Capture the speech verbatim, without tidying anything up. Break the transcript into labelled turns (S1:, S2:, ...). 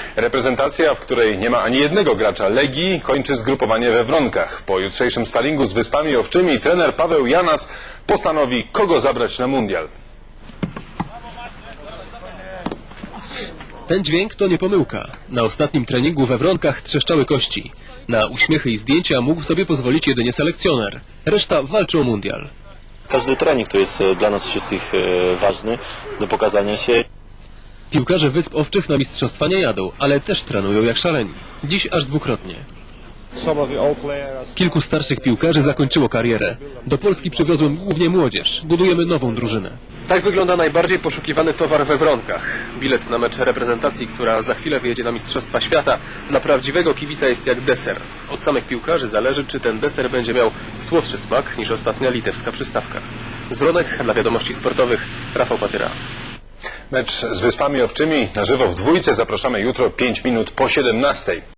S1: Reprezentacja, w której nie ma ani jednego gracza Legii, kończy zgrupowanie we Wronkach. Po jutrzejszym sparingu z Wyspami Owczymi trener Paweł Janas postanowi, kogo zabrać na mundial.
S2: Ten dźwięk to nie pomyłka. Na ostatnim treningu we Wronkach trzeszczały kości. Na uśmiechy i zdjęcia mógł sobie pozwolić jedynie selekcjoner. Reszta walczy o mundial.
S3: Każdy trening to jest dla nas wszystkich ważny do pokazania się.
S2: Piłkarze Wysp Owczych na mistrzostwa nie jadą, ale też trenują jak szaleni. Dziś aż dwukrotnie. Kilku starszych piłkarzy zakończyło karierę. Do Polski przywiozłem głównie młodzież. Budujemy nową drużynę. Tak wygląda najbardziej poszukiwany towar we Wronkach. Bilet na mecz reprezentacji, która za chwilę wyjedzie na Mistrzostwa Świata, dla prawdziwego kibica jest jak deser. Od samych piłkarzy zależy, czy ten deser będzie miał słodszy smak niż ostatnia litewska przystawka. Z Wronek dla Wiadomości Sportowych Rafał Patyra.
S1: Mecz z Wyspami Owczymi na żywo w dwójce zapraszamy jutro pięć minut po siedemnastej.